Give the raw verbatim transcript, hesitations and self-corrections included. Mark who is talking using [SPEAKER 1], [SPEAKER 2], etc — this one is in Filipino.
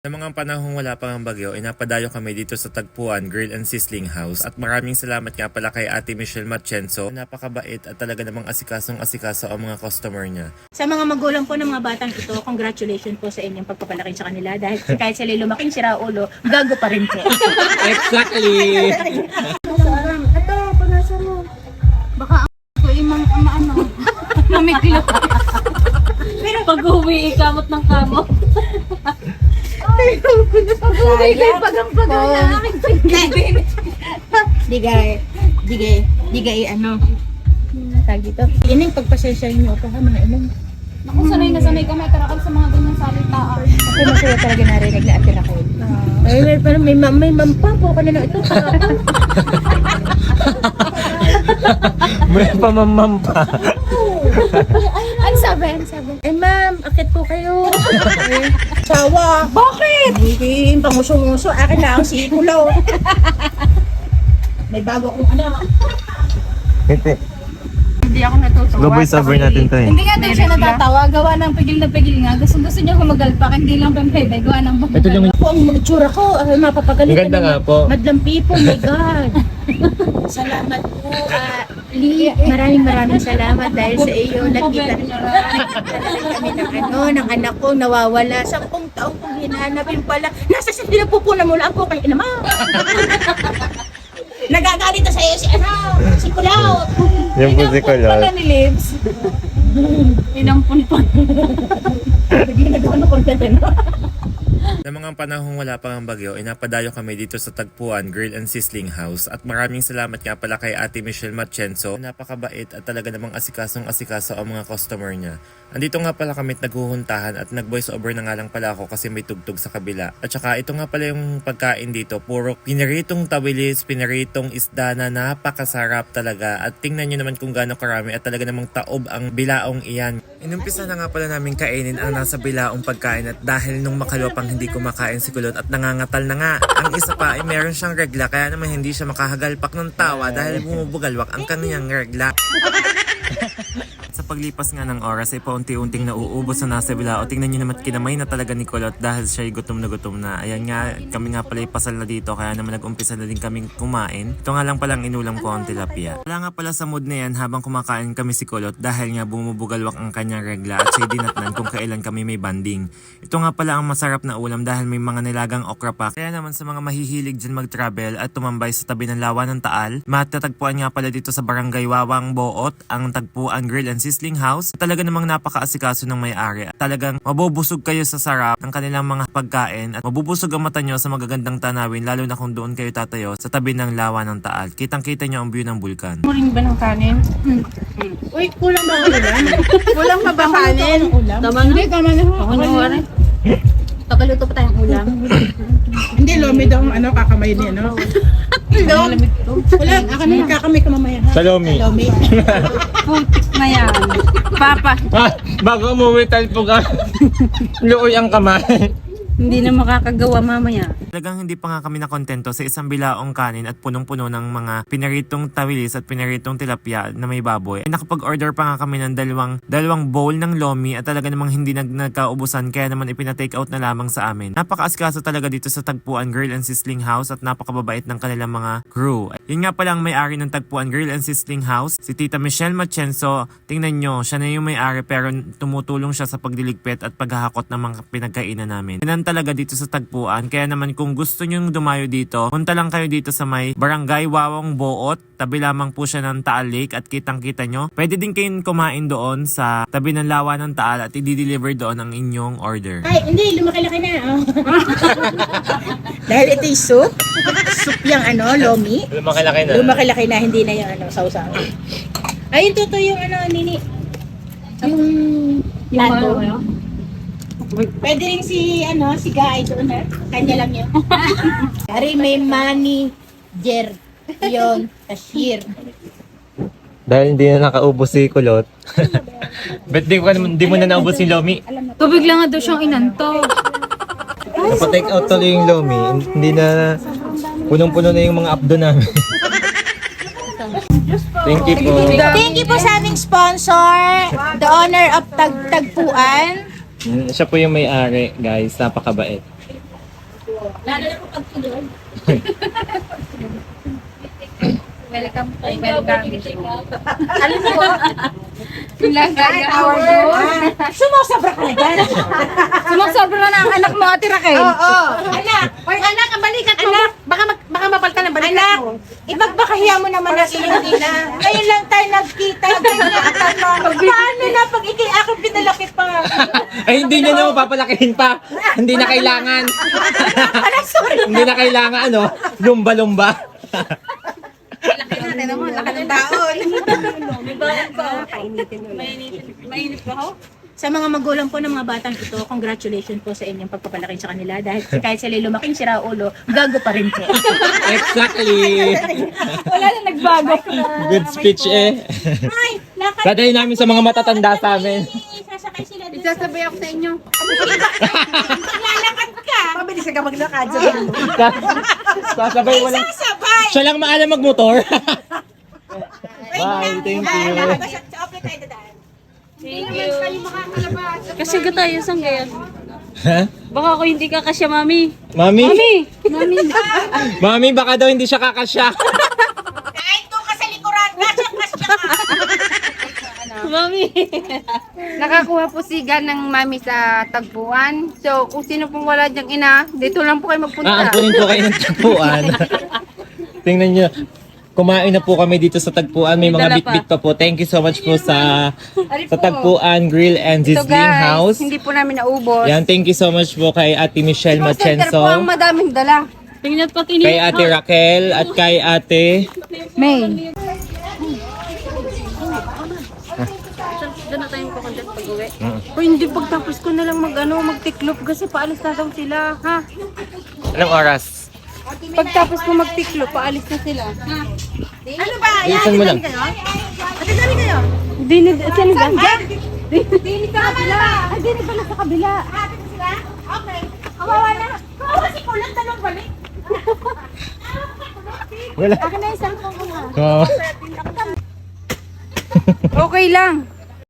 [SPEAKER 1] Sa mga panahong wala pang ang bagyo, inapadayo kami dito sa Tagpuan Grill and Sizzling House at maraming salamat nga pala kay Ate Michelle Matienzo. Napakabait at talaga namang asikasong asikaso ang mga customer niya.
[SPEAKER 2] Sa mga magulang po ng mga batang ito, congratulations po sa inyong pagpapalaki sa kanila dahil kahit sila lumaking sira ulo, gago pa rin po.
[SPEAKER 3] Exactly!
[SPEAKER 2] Ito, panasa mo. Baka ako imang ama ano. Mamiglo.
[SPEAKER 4] Pag uwi, ikamot ng kamot.
[SPEAKER 2] Pag-uwi kayo pagang-pagang na aking pinibin. Di gay, di gay, di gay ano. Tag dito. Yan yung pagpasensya niyo ako ha mga inong.
[SPEAKER 4] Naku, sanay na sanay kami tarakal sa mga ganyang salitaan.
[SPEAKER 2] Ako masaya talaga narinig na atin ako. Ay, may, pero may, mam- may mampa po ka na na ito.
[SPEAKER 3] May pamamam pa.
[SPEAKER 4] Ano sabi? Ano sabi?
[SPEAKER 2] Eh ma'am, akit po kayo. Eh, sawa. Bakit? Hindi, panguso-nguso. Akin lang si Kulaw. May bago akong ano.
[SPEAKER 3] Hindi.
[SPEAKER 2] Hindi ako natutuwa.
[SPEAKER 3] Slow voice over natin to eh.
[SPEAKER 4] Hindi nga daw siya natatawa. Gawa ng pigil na pigil nga. Gusto gusto niya humagalpak. Hindi lang pampebe. Gawa ng
[SPEAKER 3] Ito lang
[SPEAKER 2] Ako ang itsura ko, ay, mapapagalitan.
[SPEAKER 3] Ang ganda nga po.
[SPEAKER 2] Madlang people, my God. Salamat po, uh, Lee. Maraming maraming salamat dahil sa iyo. Nakita kami ng ano, ng anak ko nawawala. Sampung taong kong hinahanapin pala. Nasa sa pinapupunan mo lang po kay inama. Nagagalit na sa iyo si ano, si Kulaw.
[SPEAKER 3] Yung po si
[SPEAKER 4] Pala
[SPEAKER 3] Kulot.
[SPEAKER 4] ni Lips. Inampun pa.
[SPEAKER 2] Bigyan na ano content ano.
[SPEAKER 1] Sa mga panahong wala pang ang bagyo, inapadayo kami dito sa Tagpuan Grill and Sizzling House at maraming salamat nga pala kay Ate Michelle Matienzo. Napakabait at talaga namang asikasong asikaso ang mga customer niya. Andito nga pala kami at naghuhuntahan at nag-voice over na nga lang pala ako kasi may tugtog sa kabila. At saka ito nga pala yung pagkain dito, puro pinaritong tawilis, pinaritong isda na napakasarap talaga. At tingnan nyo naman kung gaano karami at talaga namang taob ang bilaong iyan. Inumpisa na nga pala namin kainin ang nasa bilaong pagkain at dahil nung makalupang hindi kumakain si Kulot at nangangatal na nga. Ang isa pa ay meron siyang regla kaya naman hindi siya makahagalpak ng tawa dahil bumubugalwak ang kanyang regla. Sa paglipas nga ng oras ay paunti-unting nauubos na nasa bilao. Tingnan nyo naman kinamay na talaga ni Kulot dahil siya ay gutom na gutom na. Ayan nga, kami nga pala ipasal na dito kaya naman nag-umpisa na din kaming kumain. Ito nga lang palang inulam ko ang tilapia. Wala nga pala sa mood na yan habang kumakain kami si Kulot dahil nga bumubugalwak ang kanyang regla at siya dinatnan kung kailan kami may banding. Ito nga pala ang masarap na ulam dahil may mga nilagang okra pa. Kaya naman sa mga mahihilig dyan mag-travel at tumambay sa tabi ng lawa ng Taal, matatagpuan nga pala dito sa Barangay Wawang Boot ang Tagpuan Grill and Sizzling House. Talaga namang napaka-asikaso ng may-ari. Talagang mabubusog kayo sa sarap ng kanilang mga pagkain at mabubusog ang mata nyo sa magagandang tanawin lalo na kung doon kayo tatayo sa tabi ng lawa ng Taal. Kitang-kita nyo ang view ng bulkan.
[SPEAKER 2] Muling ba ng kanin? Uy, kulang ba ang ulam? Kulang pa ba kanin?
[SPEAKER 4] Tamang di, tama na. Ako na wala.
[SPEAKER 2] Pagkaluto pa tayong ulam.
[SPEAKER 5] Hindi, lomi daw ang ano, kakamay ni ano.
[SPEAKER 2] Wala, ako na kakamay ka mamaya. ha?
[SPEAKER 3] Salomi.
[SPEAKER 2] Lomi.
[SPEAKER 4] Putik na yan. Papa,
[SPEAKER 3] Ah, bago umuwi tayo po ka. Luoy ang kamay.
[SPEAKER 4] hindi na makakagawa mamaya.
[SPEAKER 1] Talagang hindi pa nga kami nakontento sa isang bilaong kanin at punong-puno ng mga pinaritong tawilis at pinaritong tilapia na may baboy. Ay nakapag-order pa nga kami ng dalawang, dalawang bowl ng lomi at talaga namang hindi nag nagkaubusan kaya naman ipina-take out na lamang sa amin. Napaka-asikaso talaga dito sa Tagpuan Grill and Sizzling House at napakababait ng kanilang mga crew. Yun nga pala ang may-ari ng Tagpuan Grill and Sizzling House, si Tita Michelle Matienzo. Tingnan nyo, siya na yung may-ari pero tumutulong siya sa pagdiligpit at paghahakot ng mga pinagkainan namin. Yan talaga dito sa Tagpuan. Kaya naman kung gusto nyong dumayo dito, punta lang kayo dito sa may Barangay Wawang Boot. Tabi lamang po siya ng Taal Lake at kitang-kita nyo. Pwede din kayong kumain doon sa tabi ng lawa ng Taal at i-deliver doon ang inyong order.
[SPEAKER 2] Ay, hindi, lumaki-laki na. Oh. Dahil ito yung soup. Soup yung ano, lomi.
[SPEAKER 3] Lumaki-laki na.
[SPEAKER 2] Lumaki-laki na, hindi na yung ano, sausaw. Ay, yung totoo yung ano, nini. Yung lado. Pwede rin si, ano, si Guy doon, ha? Kanya lang yun. Ari, may manager. Yun, cashier.
[SPEAKER 3] Dahil hindi na nakaubos si Kulot. Bet di, ko, di mo na naubos si Lomi.
[SPEAKER 4] Tubig lang nga daw siyang inanto.
[SPEAKER 3] Napa-take out tuloy yung Lomi. Hindi na punong-puno na yung mga abdo namin. Thank you po.
[SPEAKER 2] Thank you po sa aming sponsor, the owner of Tag Tagpuan.
[SPEAKER 3] Mm, Siya po yung may-ari, guys. Napakabait.
[SPEAKER 2] Lalo na po pag tulog.
[SPEAKER 4] Welcome po. Welcome.
[SPEAKER 2] Alam mo po,
[SPEAKER 4] Ilang kaya our goal.
[SPEAKER 2] sumasobra ka na dyan.
[SPEAKER 4] Sumasobra na ang anak mo, Ate Raquel.
[SPEAKER 2] Oo. Anak, or anak, ang balikat mo. Anak, baka, mag, baka mapalta ng balikat anak, mo. Ipagbakahiya mo naman ang iyong ina. Ngayon lang tayo nagkita. Paano na pag ikay aking pinalaki pa?
[SPEAKER 3] Ay, hindi niya na papalakihin pa. Hindi na kailangan.
[SPEAKER 2] Ala, sorry.
[SPEAKER 3] Hindi na kailangan, ano, lumba-lumba.
[SPEAKER 2] Laki natin naman, laki ng taon.
[SPEAKER 4] Mainit ba ho?
[SPEAKER 2] Sa mga magulang po ng mga batang ito, congratulations po sa inyong pagpapalaki sa kanila dahil kahit sila lumaking sira ulo, gago pa rin po.
[SPEAKER 3] Exactly.
[SPEAKER 4] Wala na nagbago.
[SPEAKER 3] Good speech eh.
[SPEAKER 2] Ay, lakad.
[SPEAKER 3] Dadalhin namin sa mga matatanda sa amin.
[SPEAKER 2] Sasakay sila dun.
[SPEAKER 4] Isasabay ako sa inyo.
[SPEAKER 2] Lalakad ka. Mabilis ka maglakad sa
[SPEAKER 3] Sasabay wala.
[SPEAKER 2] Sasabay.
[SPEAKER 3] Siya lang maalam magmotor. Bye, thank you.
[SPEAKER 2] Sa open tayo dadaan.
[SPEAKER 4] Thank you.
[SPEAKER 6] Kasi ka tayo sang gayon.
[SPEAKER 3] Ha?
[SPEAKER 6] Baka ako hindi ka kasya, mami.
[SPEAKER 3] Mami?
[SPEAKER 6] Mami!
[SPEAKER 3] Mami, baka daw hindi siya kakasya.
[SPEAKER 2] Kahit doon ka sa likuran, kasya-kasya ka.
[SPEAKER 6] Mami!
[SPEAKER 4] Nakakuha po si Gan ng mami sa tagpuan. So, kung sino pong wala diyang ina, dito lang po kayo magpunta.
[SPEAKER 3] Aampunin po kayo ng tagpuan. Tingnan nyo. Kumain na po kami dito sa tagpuan. May
[SPEAKER 6] May
[SPEAKER 3] mga
[SPEAKER 6] dala
[SPEAKER 3] bit-bit pa po. Thank you so much po sa
[SPEAKER 4] Ari
[SPEAKER 3] sa
[SPEAKER 4] po.
[SPEAKER 3] tagpuan Grill and
[SPEAKER 4] Ito
[SPEAKER 3] Sizzling
[SPEAKER 4] guys,
[SPEAKER 3] House.
[SPEAKER 4] hindi po namin naubos.
[SPEAKER 3] Yan, thank you so much po kay Ate Michelle
[SPEAKER 4] Call center po ang
[SPEAKER 3] Machenso,
[SPEAKER 4] madaming dala.
[SPEAKER 6] Tingnan pa kinit.
[SPEAKER 3] kay Ate Raquel, at kay Ate...
[SPEAKER 4] May.
[SPEAKER 6] Doon na tayong kukontent pag-uwi.
[SPEAKER 4] O hindi, pagtapos ko na lang mag, ano, magtiklop kasi paalis na daw sila. Ha?
[SPEAKER 3] Anong oras?
[SPEAKER 4] Pagtapos ko magtiklop, paalis na sila. Ha?
[SPEAKER 2] Ano ba?
[SPEAKER 3] Bilisan mo lang.
[SPEAKER 2] Ate dami kayo?
[SPEAKER 4] Hindi na, sino ba? Hindi sa kabila. Ay, hindi pala sa kabila.
[SPEAKER 2] Ate na sila? Okay. Kawawa na. Kawawa si Kulang, tanong balik.
[SPEAKER 3] Wala.
[SPEAKER 4] Akin na yung cellphone ko nga.
[SPEAKER 3] Oh.
[SPEAKER 4] Okay lang.